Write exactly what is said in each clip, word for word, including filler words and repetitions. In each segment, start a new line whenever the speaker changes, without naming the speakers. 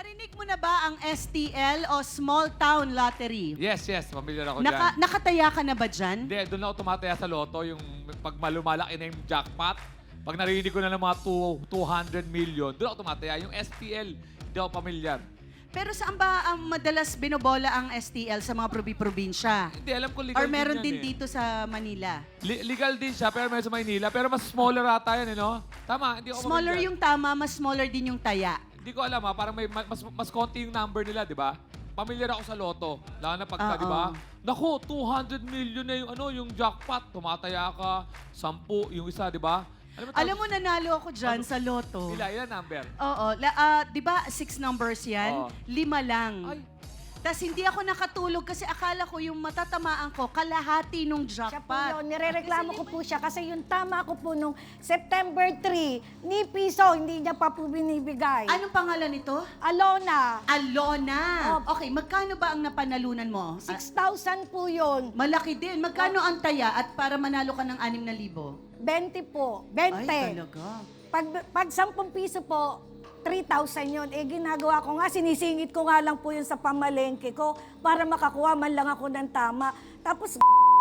Narinig mo na ba ang S T L o Small Town Lottery?
Yes, yes. Familiar ako
Naka,
dyan.
nakataya ka na ba dyan?
Hindi, doon ako tumataya sa loto, yung pag malumalaki na yung jackpot. Pag narinig ko na ng mga two hundred million, doon ako tumataya. Yung S T L, hindi ako familiar.
Pero saan ba ang madalas binobola ang S T L sa mga probi-probinsya?
Hindi, alam ko legal
Or meron
din,
din
yan, eh.
dito sa Manila?
Li- legal din siya, pero meron sa Maynila. Pero mas smaller ata yan, eh, no? Tama, hindi ako
Smaller
familiar.
yung tama, mas smaller din yung taya.
Hindi ko alam, ha? Parang may mas, mas konti yung number nila, di ba? Familiar ako sa loto. Lalo na pagka,
Oo.
di ba? Naku, two hundred million na yung, ano, yung jackpot. Tumataya ka, sampu, yung isa, di ba? Alam mo,
Alam mo, nanalo ako dyan
Ano?
sa loto.
Ila, ilan number?
Oo. La, ah, di ba, six numbers yan?
Oo.
Lima lang.
Ay,
Tapos hindi ako nakatulog kasi akala ko yung matatamaan ko, kalahati nung
Siya po
jackpot.
yun, nirereklamo ko po siya kasi yung tama ko po nung September three, ni piso, hindi niya pa po binibigay.
Anong pangalan nito?
Alona,
Alona.
Opo.
Okay, magkano ba ang napanalunan mo? Ah,
six thousand po yun.
malaki din. Magkano ang taya at para manalo ka ng anim na libo?
twenty po,
Ay,
twenty.
talaga.
Pag, pag ten piso po, three thousand yun. Eh, ginagawa ko nga, sinisingit ko nga lang po yun sa pamalengke ko para makakuha man lang ako ng tama. Tapos,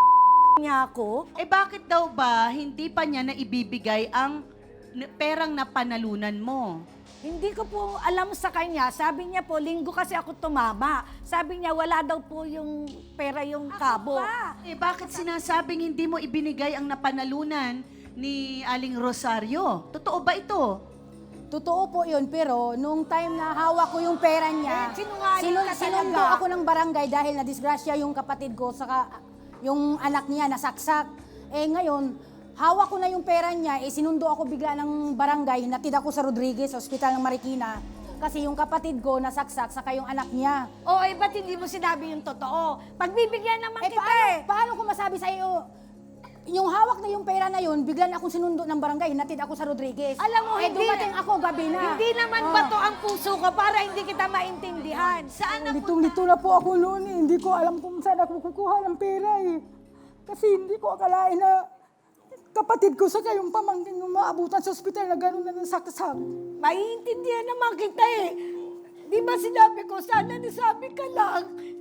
niya ako.
Eh bakit daw ba hindi pa niya naibibigay ang n- perang napanalunan mo?
Hindi ko po alam sa kanya. Sabi niya po, linggo kasi ako tumama. Sabi niya, wala daw po yung pera yung kabo.
Eh bakit sinasabing hindi mo ibinigay ang napanalunan ni Aling Rosario? Totoo ba ito?
Totoo po yun, pero nung time na hawak ko yung pera niya,
Eh, sinungaling
sinun-
ka talaga.
sinundo ako ng barangay dahil na-disgrasya yung kapatid ko, saka yung anak niya nasaksak. Eh ngayon, hawak ko na yung pera niya, eh sinundo ako bigla ng barangay, natid ako sa Rodriguez, Hospital ng Marikina, kasi yung kapatid ko nasaksak, saka yung anak niya.
O, eh, ba't hindi mo sinabi yung totoo? Pagbibigyan naman
Eh
kita
paano,
eh.
paano ko masabi sa iyo, yung hawak na yung pera na yun, bigla na akong sinundo ng barangay, natid ako sa Rodriguez.
Alam mo,
eh,
hindi
dumating
na-
ako gabi na.
Hindi naman
Oh.
bato ang puso ko para hindi kita maintindihan. Saan na
Litong-lito na po ako noon eh. Hindi ko alam kung saan ako kukuha ng pera eh. Kasi hindi ko akalain na kapatid ko sa kayong pamangkin yung maabutan sa ospital na gano'n na nasaksak.
Maiintindihan naman kita eh. Di ba sinabi ko, sana nasabi ka lang.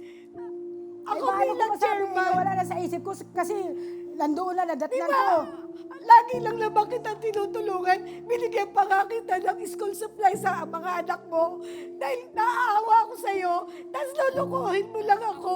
Ako
Eh, paano ko
bilang
masabi,
chairman.
eh, wala na sa isip ko kasi nandoon na
Di
nadatnan
ba?
ko.
Lagi lang naman kita tinutulungan. Binigyan pa nga kita ng school supply sa mga anak mo. Dahil naaawa ako sa'yo, tapos lulukuhin mo lang ako.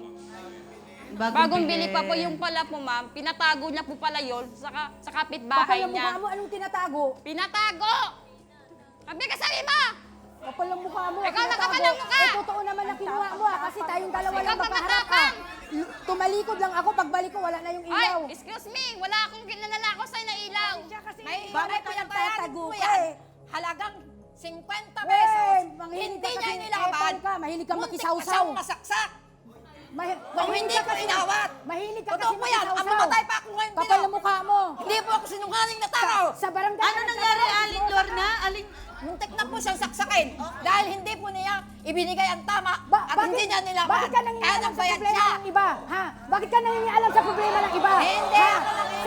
Bagong bili pa po yung pala po, ma'am. Pinatago niya po pala yun sa, sa kapitbahay
Kapal ang
niya.
mukha mo, anong tinatago?
Pinatago! Sabi ka sabi mo!
Kapal ang mukha mo.
Ikaw na
tinatago.
kapal ang mukha!
Eh, totoo naman na kinuha mo ah, kasi tayong dalawa
Ikaw
lang
pa
magkaharap ah.
matapang!
Tumalikod lang ako, pagbalik ko wala na yung
Ay,
ilaw.
excuse me! Wala akong kinanalako sa'yo na ilaw!
May
Bakit ka nagtatago ka eh?
Halagang fifty
Eh,
pesos.
manghilig
Hindi
ka
niya
kasi,
inilaban.
epal ka, mahilig ka
Muntik
makisawsaw.
pa siyang masaksak.
Mahi-
Kung hindi ko inawat.
Mahilig ka
Totoo
kasi
po yan. Ang
makisawsaw.
mamatay pa ako ngayon
Kapal
dito.
ang mukha mo.
Hindi po ako sinungaling na tao.
Sa barangay.
Ano
ka
nangyari,
nagtatrabaho,
Aling
siguro
Lorna? Aling...
Muntik na po siyang saksakin. Dahil hindi po niya ibinigay ang tama
Ba-
at hindi niya nilaban.
Bakit ka
Kaya
nangingialam sa
nagbayad
problema
siya.
ng iba? Ha? Bakit ka nangingialam sa problema ng iba?
Hindi
Ha?
ako